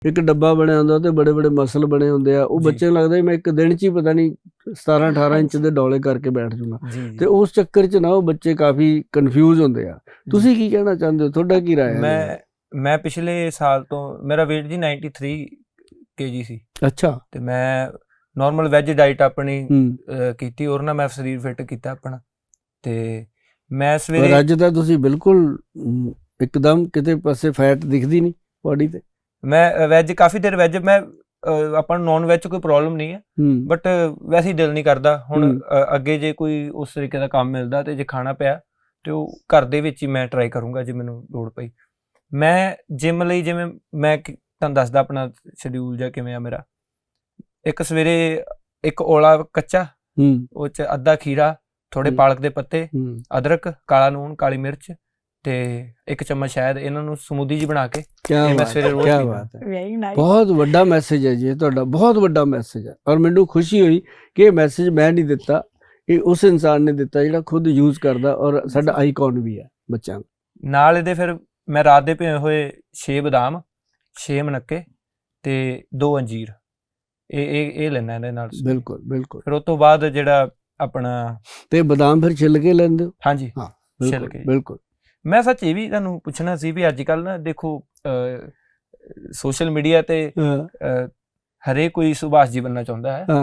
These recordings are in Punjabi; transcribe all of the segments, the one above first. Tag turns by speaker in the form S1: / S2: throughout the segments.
S1: ਇੱਕ ਡੱਬਾ ਬਣਿਆ ਹੁੰਦਾ ਤੇ ਬੜੇ ਬੜੇ ਮਸਲ ਬਣੇ ਹੁੰਦੇ ਆ। ਉਹ
S2: ਜੀ।
S1: ਬੱਚੇ ਨੂੰ ਲੱਗਦਾ ਵੀ ਮੈਂ ਇੱਕ ਦਿਨ 'ਚ ਹੀ ਪਤਾ ਨਹੀਂ 17-18 ਇੰਚ ਦੇ ਡੌਲੇ ਕਰਕੇ ਬੈਠ ਜਾਊਂਗਾ।
S2: ਜੀ
S1: ਤੇ ਉਸ ਚੱਕਰ 'ਚ ਨਾ ਉਹ ਬੱਚੇ ਕਾਫੀ ਕਨਫਿਊਜ਼ ਹੁੰਦੇ ਆ। ਤੁਸੀਂ ਕੀ ਕਹਿਣਾ ਚਾਹੁੰਦੇ ਹੋ? ਤੁਹਾਡਾ ਕੀ ਰਾਏ ਹੈ?
S2: ਮੈਂ ਪਿਛਲੇ ਸਾਲ ਤੋਂ ਮੇਰਾ weight ਜੀ 93 kg ਸੀ।
S1: ਅੱਛਾ।
S2: ਤੇ ਮੈਂ ਨਾਰਮਲ ਵੈਜ ਡਾਈਟ ਆਪਣੀ
S1: ਹੂੰ।
S2: ਕੀਤੀ ਔਰ ਨਾ ਮੈਂ ਸਰੀਰ ਫਿੱਟ ਕੀਤਾ ਆਪਣਾ। ਤੇ ਮੈਂ
S1: ਪਰ
S2: ਸਵੇਰੇ
S1: ਅੱਜ ਤਾਂ ਤੁਸੀਂ ਬਿਲਕੁਲ ਇੱਕਦਮ ਕਿਤੇ ਪਾਸੇ ਫੈਟ ਦਿਖਦੀ ਨਹੀਂ ਬੋਡੀ ਤੇ।
S2: ਮੈਂ ਵੈਜ ਕਾਫੀ ਦੇਰ ਵੈਜ ਮੈਂ ਆਪਾਂ ਨੂੰ ਨੌਨ ਵੈਜ ਕੋਈ ਪ੍ਰੋਬਲਮ ਨਹੀਂ ਹੈ,
S1: ਹੂੰ।
S2: ਬਟ ਵੈਸੇ ਹੀ ਦਿਲ ਨਹੀਂ ਕਰਦਾ ਹੁਣ।
S1: ਹੂੰ।
S2: ਅੱਗੇ ਜੇ ਕੋਈ ਉਸ ਤਰੀਕੇ ਦਾ ਕੰਮ ਮਿਲਦਾ ਤੇ ਜੇ ਖਾਣਾ ਪਿਆ ਤੇ ਉਹ ਘਰ ਦੇ ਵਿੱਚ ਹੀ ਮੈਂ ਟਰਾਈ ਕਰੂੰਗਾ ਜੇ ਮੈਨੂੰ ਲੋੜ ਪਈ। ਮੈਂ ਜਿਮ ਲਈ ਜਿਵੇਂ ਮੈਂ ਤੁਹਾਨੂੰ ਦੱਸਦਾ ਆਪਣਾ ਸ਼ਡਿਊਲ ਜਾਂ ਕਿਵੇਂ ਆ ਮੇਰਾ। ਇੱਕ ਸਵੇਰੇ ਇੱਕ ਔਲਾ ਕੱਚਾ, ਉਹ 'ਚ ਅੱਧਾ ਖੀਰਾ, ਥੋੜੇ ਪਾਲਕ ਦੇ ਪੱਤੇ, ਅਦਰਕ, ਕਾਲਾ ਨੂਣ, ਕਾਲੀ ਮਿਰਚ ਤੇ 1 ਚਮਚ ਸ਼ਹਿਦ, ਇਹਨਾਂ ਨੂੰ ਸਮੂਦੀ ਜੀ ਬਣਾ ਕੇ ਮੈਂ ਸਵੇਰੇ ਰੋਜ਼ ਪੀਂਦਾ।
S1: ਬਹੁਤ ਵੱਡਾ ਮੈਸੇਜ ਹੈ ਜੀ ਇਹ ਤੁਹਾਡਾ, ਬਹੁਤ ਵੱਡਾ ਮੈਸੇਜ ਹੈ। ਔਰ ਮੈਨੂੰ ਖੁਸ਼ੀ ਹੋਈ ਕਿ ਇਹ ਮੈਸੇਜ ਮੈਂ ਨਹੀਂ ਦਿੱਤਾ, ਇਹ ਉਸ ਇਨਸਾਨ ਨੇ ਦਿੱਤਾ ਜਿਹੜਾ ਖੁਦ ਯੂਜ਼ ਕਰਦਾ ਔਰ ਸਾਡਾ ਆਈਕਨ ਵੀ ਹੈ ਬੱਚਿਆਂ ਨੂੰ।
S2: ਨਾਲ ਇਹਦੇ ਫਿਰ ਮੈਂ ਰਾਤ ਦੇ ਭਿਓਏ ਹੋਏ 6 ਬਦਾਮ, 6 ਮਨੱਕੇ ਤੇ 2 ਅੰਜੀਰ ਇਹ ਲੈਣਾ ਇਹਦੇ ਨਾਲ।
S1: ਬਿਲਕੁਲ ਬਿਲਕੁਲ।
S2: ਫਿਰ ਉਸ ਤੋਂ ਬਾਅਦ ਜਿਹੜਾ ਆਪਣਾ
S1: ਤੇ ਬਦਾਮ ਫਿਰ ਛਿੱਲ ਕੇ ਲੈਂਦੇ ਹੋ?
S2: ਹਾਂਜੀ
S1: ਹਾਂ
S2: ਛਿੱਲ ਕੇ।
S1: ਬਿਲਕੁਲ।
S2: ਮੈਂ ਸੱਚ ਇਹ ਵੀ ਤੁਹਾਨੂੰ ਪੁੱਛਣਾ ਸੀ ਵੀ ਅੱਜ ਕੱਲ੍ਹ ਨਾ ਦੇਖੋ ਸੋਸ਼ਲ ਮੀਡੀਆ ਤੇ ਹਰੇਕ ਕੋਈ ਸੁਭਾਸ਼ ਜੀ ਬਣਨਾ ਚਾਹੁੰਦਾ ਹੈ।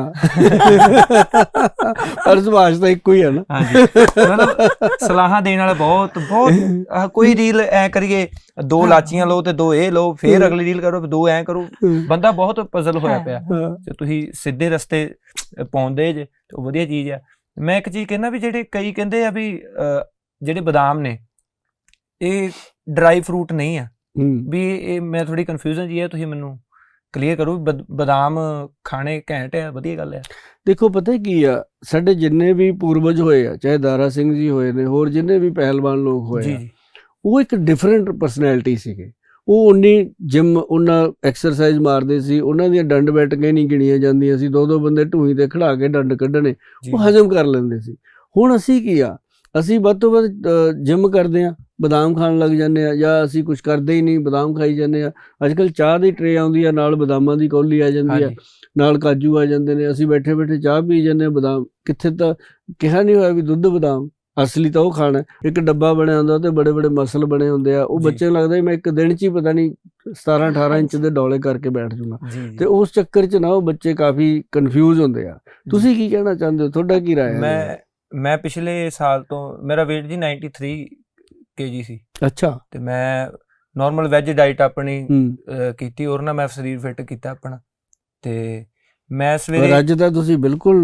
S1: ਪਰ ਸੁਭਾਸ਼ ਤਾਂ ਇੱਕੋ ਹੀ ਹੈ ਨਾ।
S2: ਹਾਂਜੀ, ਮਤਲਬ ਸਲਾਹਾਂ ਦੇਣ ਵਾਲੇ ਬਹੁਤ ਕੋਈ ਰੀਲ ਐ ਕਰੀਏ 2 ਲਾਚੀਆਂ ਲਓ ਤੇ 2 ਇਹ ਲਓ, ਫੇਰ ਅਗਲੀ ਰੀਲ ਕਰੋ 2 ਐ ਕਰੋ। ਬੰਦਾ ਬਹੁਤ ਪਜ਼ਲ ਹੋਇਆ ਪਿਆ। ਤੇ ਤੁਸੀਂ ਸਿੱਧੇ ਰਸਤੇ ਪਾਉਂਦੇ ਜੇ ਉਹ ਵਧੀਆ ਚੀਜ਼ ਆ। ਮੈਂ ਇੱਕ ਚੀਜ਼ ਕਹਿੰਦਾ ਵੀ ਜਿਹੜੇ ਕਈ ਕਹਿੰਦੇ ਆ ਵੀ ਜਿਹੜੇ ਬਦਾਮ ਨੇ ਇਹ ਡਰਾਈ ਫਰੂਟ ਨਹੀਂ ਆ, ਵੀ ਇਹ ਮੈਂ ਥੋੜੀ ਕਨਫਿਊਜ਼ਨ ਜੀ ਹੈ, ਤੁਸੀਂ ਮੈਨੂੰ ਕਲੀਅਰ ਕਰੋ। ਬਦਾਮ ਖਾਣੇ ਘੈਂਟ ਆ, ਵਧੀਆ ਗੱਲ ਆ।
S1: ਦੇਖੋ ਪਤਾ ਕੀ ਆ, ਸਾਡੇ ਜਿੰਨੇ ਵੀ ਪੂਰਵਜ ਹੋਏ ਆ, ਚਾਹੇ ਦਾਰਾ ਸਿੰਘ ਜੀ ਹੋਏ ਨੇ, ਹੋਰ ਜਿੰਨੇ ਵੀ ਪਹਿਲਵਾਨ ਲੋਕ ਹੋਏ ਆ, ਉਹ ਇੱਕ ਡਿਫਰੈਂਟ ਪਰਸਨੈਲਿਟੀ ਸੀਗੇ। ਉਹ ਉਨੀ ਜਿਮ ਉਹਨਾਂ ਐਕਸਰਸਾਈਜ਼ ਮਾਰਦੇ ਸੀ, ਉਹਨਾਂ ਦੀਆਂ ਡੰਡ ਬੈਠਕਾਂ ਨਹੀਂ ਗਿਣੀਆਂ ਜਾਂਦੀਆਂ ਸੀ। 2-2 ਬੰਦੇ ਢੂਹੀ ਤੇ ਖੜਾ ਕੇ ਡੰਡ ਕੱਢਣੇ, ਉਹ ਹਜ਼ਮ ਕਰ ਲੈਂਦੇ ਸੀ। ਹੁਣ ਅਸੀਂ ਕੀ ਆ, ਅਸੀਂ ਵੱਧ ਤੋਂ ਵੱਧ ਜਿਮ ਕਰਦੇ ਹਾਂ, ਬਦਾਮ ਖਾਣ ਲੱਗ ਜਾਂਦੇ ਆ, ਜਾਂ ਅਸੀਂ ਕੁਛ ਕਰਦੇ ਹੀ ਨਹੀਂ, ਬਦਾਮ ਖਾਈ ਜਾਂਦੇ ਆ। ਅੱਜ ਕੱਲ੍ਹ ਚਾਹ ਦੀ ਟਰੇ ਆਉਂਦੀ ਆ, ਨਾਲ ਬਦਾਮਾਂ ਦੀ ਕੌਲੀ ਆ ਜਾਂਦੀ ਆ, ਨਾਲ ਕਾਜੂ ਆ ਜਾਂਦੇ ਨੇ। ਅਸੀਂ ਬੈਠੇ ਬੈਠੇ ਚਾਹ ਪੀ ਜਾਂਦੇ ਹਾਂ। ਬਦਾਮ ਕਿੱਥੇ ਤਾਂ ਕਿਹਾ ਨਹੀਂ ਹੋਇਆ ਵੀ ਦੁੱਧ ਬਦਾਮ, ਅਸਲੀ ਤਾਂ ਉਹ ਖਾਣਾ। ਇੱਕ ਡੱਬਾ ਬਣਿਆ ਹੁੰਦਾ ਤੇ ਬੜੇ ਬੜੇ ਮਸਲ ਬਣੇ ਹੁੰਦੇ ਆ। ਉਹ ਬੱਚੇ ਨੂੰ ਲੱਗਦਾ ਵੀ ਮੈਂ ਇੱਕ ਦਿਨ 'ਚ ਹੀ ਪਤਾ ਨਹੀਂ 17-18 ਇੰਚ ਦੇ ਡੌਲੇ ਕਰਕੇ ਬੈਠ ਜਾਊਂਗਾ। ਤੇ ਉਸ ਚੱਕਰ 'ਚ ਨਾ ਉਹ ਬੱਚੇ ਕਾਫੀ ਕਨਫਿਊਜ਼ ਹੁੰਦੇ ਆ। ਤੁਸੀਂ ਕੀ ਕਹਿਣਾ ਚਾਹੁੰਦੇ ਹੋ? ਤੁਹਾਡਾ ਕੀ ਰਾਏ ਹੈ?
S2: ਮੈਂ ਪਿਛਲੇ ਸਾਲ ਤੋਂ ਮੇਰਾ weight ਜੀ 93 kg ਸੀ। ਅੱਛਾ। ਤੇ ਮੈਂ ਨਾਰਮਲ ਵੈਜ ਡਾਈਟ ਆਪਣੀ ਕੀਤੀ ਔਰ ਨਾ ਮੈਂ ਸਰੀਰ ਫਿੱਟ ਕੀਤਾ ਆਪਣਾ। ਤੇ ਮੈਂ ਸਵੇਰੇ
S1: ਅੱਜ ਤਾਂ ਤੁਸੀਂ ਬਿਲਕੁਲ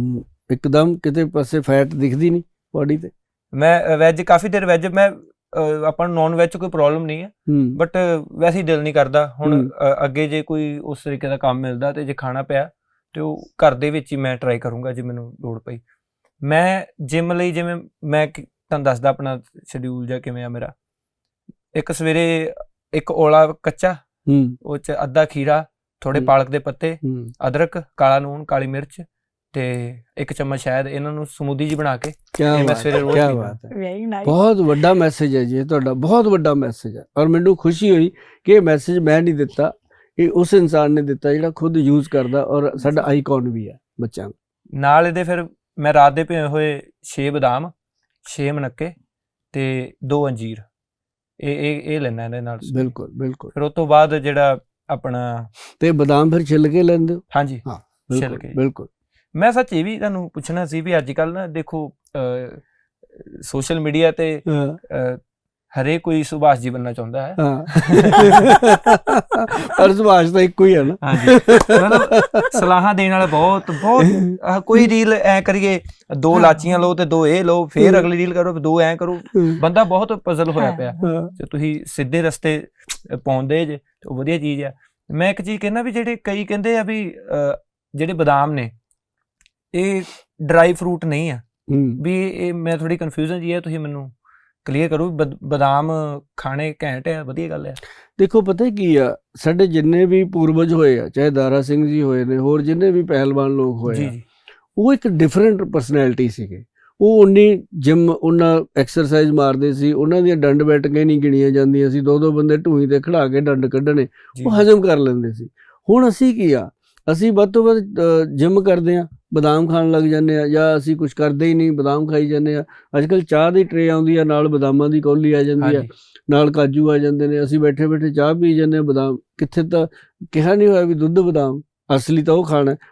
S1: ਇੱਕਦਮ ਕਿਤੇ ਪਾਸੇ ਫੈਟ ਦਿਖਦੀ ਨਹੀਂ ਬੋਡੀ ਤੇ।
S2: ਮੈਂ ਵੈਜ ਕਾਫੀ ਦੇਰ ਵੈਜ ਮੈਂ ਆਪਾਂ ਨੂੰ ਨੌਨ ਵੈਜ ਕੋਈ ਪ੍ਰੋਬਲਮ ਨਹੀਂ ਹੈ, ਬਟ ਵੈਸੇ ਹੀ ਦਿਲ ਨਹੀਂ ਕਰਦਾ ਹੁਣ। ਅੱਗੇ ਜੇ ਕੋਈ ਉਸ ਤਰੀਕੇ ਦਾ ਕੰਮ ਮਿਲਦਾ ਤੇ ਜੇ ਖਾਣਾ ਪਿਆ ਤੇ ਉਹ ਘਰ ਦੇ ਵਿੱਚ ਹੀ ਮੈਂ ਟਰਾਈ ਕਰੂੰਗਾ ਜੇ ਮੈਨੂੰ ਲੋੜ ਪਈ। ਮੈਂ ਜਿਮ ਲਈ ਜਿਵੇਂ ਮੈਂ ਤੁਹਾਨੂੰ ਦੱਸਦਾ ਆਪਣਾ ਸ਼ਡਿਊਲ ਜਾਂ ਕਿਵੇਂ ਆ ਮੇਰਾ। ਇੱਕ ਸਵੇਰੇ ਇੱਕ ਔਲਾ ਕੱਚਾ, ਉਹ 'ਚ ਅੱਧਾ ਖੀਰਾ, ਥੋੜੇ ਪਾਲਕ ਦੇ ਪੱਤੇ, ਅਦਰਕ, ਕਾਲਾ ਨੂਣ, ਕਾਲੀ ਮਿਰਚ ਤੇ 1 ਚਮਚ ਸ਼ਹਿਦ, ਇਹਨਾਂ ਨੂੰ ਸਮੂਦੀ ਜੀ ਬਣਾ ਕੇ ਮੈਂ ਸਵੇਰੇ ਰੋਜ਼ ਪੀਂਦਾ।
S1: ਬਹੁਤ ਵੱਡਾ ਮੈਸੇਜ ਹੈ ਜੀ ਇਹ ਤੁਹਾਡਾ, ਬਹੁਤ ਵੱਡਾ ਮੈਸੇਜ ਹੈ। ਔਰ ਮੈਨੂੰ ਖੁਸ਼ੀ ਹੋਈ ਕਿ ਇਹ ਮੈਸੇਜ ਮੈਂ ਨਹੀਂ ਦਿੱਤਾ, ਇਹ ਉਸ ਇਨਸਾਨ ਨੇ ਦਿੱਤਾ ਜਿਹੜਾ ਖੁਦ ਯੂਜ਼ ਕਰਦਾ ਔਰ ਸਾਡਾ ਆਈਕਨ ਵੀ ਹੈ ਬੱਚਿਆਂ ਨੂੰ।
S2: ਨਾਲ ਇਹਦੇ ਫਿਰ ਮੈਂ ਰਾਤ ਦੇ ਭਿਓਏ ਹੋਏ 6 ਬਦਾਮ, 6 ਮਨੱਕੇ ਤੇ 2 ਅੰਜੀਰ ਇਹ ਲੈਣਾ ਇਹਦੇ ਨਾਲ।
S1: ਬਿਲਕੁਲ ਬਿਲਕੁਲ।
S2: ਫਿਰ ਉਸ ਤੋਂ ਬਾਅਦ ਜਿਹੜਾ ਆਪਣਾ
S1: ਤੇ ਬਦਾਮ ਫਿਰ ਛਿੱਲ ਕੇ ਲੈਂਦੇ ਹੋ?
S2: ਹਾਂਜੀ
S1: ਹਾਂ
S2: ਛਿੱਲ ਕੇ।
S1: ਬਿਲਕੁਲ।
S2: ਮੈਂ ਸੱਚ ਇਹ ਵੀ ਤੁਹਾਨੂੰ ਪੁੱਛਣਾ ਸੀ ਵੀ ਅੱਜ ਕੱਲ੍ਹ ਨਾ ਦੇਖੋ ਸੋਸ਼ਲ ਮੀਡੀਆ ਤੇ ਹਰੇਕ ਕੋਈ ਸੁਭਾਸ਼ ਜੀ ਬਣਨਾ ਚਾਹੁੰਦਾ ਹੈ।
S1: ਪਰ ਸੁਭਾਸ਼ ਤਾਂ ਇੱਕੋ ਹੀ ਹੈ ਨਾ।
S2: ਹਾਂਜੀ, ਮਤਲਬ ਸਲਾਹਾਂ ਦੇਣ ਵਾਲੇ ਬਹੁਤ ਕੋਈ ਰੀਲ ਐ ਕਰੀਏ 2 ਲਾਚੀਆਂ ਲਓ ਤੇ 2 ਇਹ ਲਓ, ਫੇਰ ਅਗਲੀ ਰੀਲ ਕਰੋ 2 ਐ ਕਰੋ। ਬੰਦਾ ਬਹੁਤ ਪਜ਼ਲ ਹੋਇਆ ਪਿਆ। ਤੇ ਤੁਸੀਂ ਸਿੱਧੇ ਰਸਤੇ ਪਾਉਂਦੇ ਜੇ ਉਹ ਵਧੀਆ ਚੀਜ਼ ਆ। ਮੈਂ ਇੱਕ ਚੀਜ਼ ਕਹਿੰਦਾ ਵੀ ਜਿਹੜੇ ਕਈ ਕਹਿੰਦੇ ਆ ਵੀ ਜਿਹੜੇ ਬਦਾਮ ਨੇ ਇਹ ਡਰਾਈ ਫਰੂਟ ਨਹੀਂ ਆ, ਵੀ ਇਹ ਮੈਂ ਥੋੜੀ ਕਨਫਿਊਜ਼ਨ ਜੀ ਹੈ, ਤੁਸੀਂ ਮੈਨੂੰ ਕਲੀਅਰ ਕਰੋ। ਬਦਾਮ ਖਾਣੇ ਘੈਂਟ ਆ, ਵਧੀਆ ਗੱਲ ਆ।
S1: ਦੇਖੋ ਪਤਾ ਕੀ ਆ, ਸਾਡੇ ਜਿੰਨੇ ਵੀ ਪੂਰਵਜ ਹੋਏ ਆ, ਚਾਹੇ ਦਾਰਾ ਸਿੰਘ ਜੀ ਹੋਏ ਨੇ, ਹੋਰ ਜਿੰਨੇ ਵੀ ਪਹਿਲਵਾਨ ਲੋਕ ਹੋਏ ਆ, ਉਹ ਇੱਕ ਡਿਫਰੈਂਟ ਪਰਸਨੈਲਿਟੀ ਸੀਗੇ। ਉਹ ਉਨੀ ਜਿਮ ਉਹਨਾਂ ਐਕਸਰਸਾਈਜ਼ ਮਾਰਦੇ ਸੀ, ਉਹਨਾਂ ਦੀਆਂ ਡੰਡ ਬੈਠਕਾਂ ਨਹੀਂ ਗਿਣੀਆਂ ਜਾਂਦੀਆਂ ਸੀ, 2-2 ਬੰਦੇ ਢੂਹੀ ਤੇ ਖੜਾ ਕੇ ਡੰਡ ਕੱਢਣੇ, ਉਹ ਹਜ਼ਮ ਕਰ ਲੈਂਦੇ ਸੀ। ਹੁਣ ਅਸੀਂ ਕੀ ਆ, ਅਸੀਂ ਵੱਧ ਤੋਂ ਵੱਧ ਜਿਮ ਕਰਦੇ ਹਾਂ, ਬਦਾਮ ਖਾਣ ਲੱਗ ਜਾਂਦੇ ਆ, ਜਾਂ ਅਸੀਂ ਕੁਝ ਕਰਦੇ ਹੀ ਨਹੀਂ, ਬਦਾਮ ਖਾਈ ਜਾਂਦੇ ਆ। ਅੱਜ ਕੱਲ੍ਹ ਚਾਹ ਦੀ ਟਰੇ ਆਉਂਦੀ ਆ, ਨਾਲ ਬਦਾਮਾਂ ਦੀ ਕੌਲੀ ਆ ਜਾਂਦੀ ਆ, ਨਾਲ ਕਾਜੂ ਆ ਜਾਂਦੇ ਨੇ, ਅਸੀਂ ਬੈਠੇ ਬੈਠੇ ਚਾਹ ਪੀ ਜਾਂਦੇ ਹਾਂ। ਬਦਾਮ ਕਿੱਥੇ, ਤਾਂ ਕਿਹਾ ਨਹੀਂ ਹੋਇਆ ਵੀ ਦੁੱਧ ਬਦਾਮ, ਅਸਲੀ ਤਾਂ ਉਹ ਖਾਣਾ।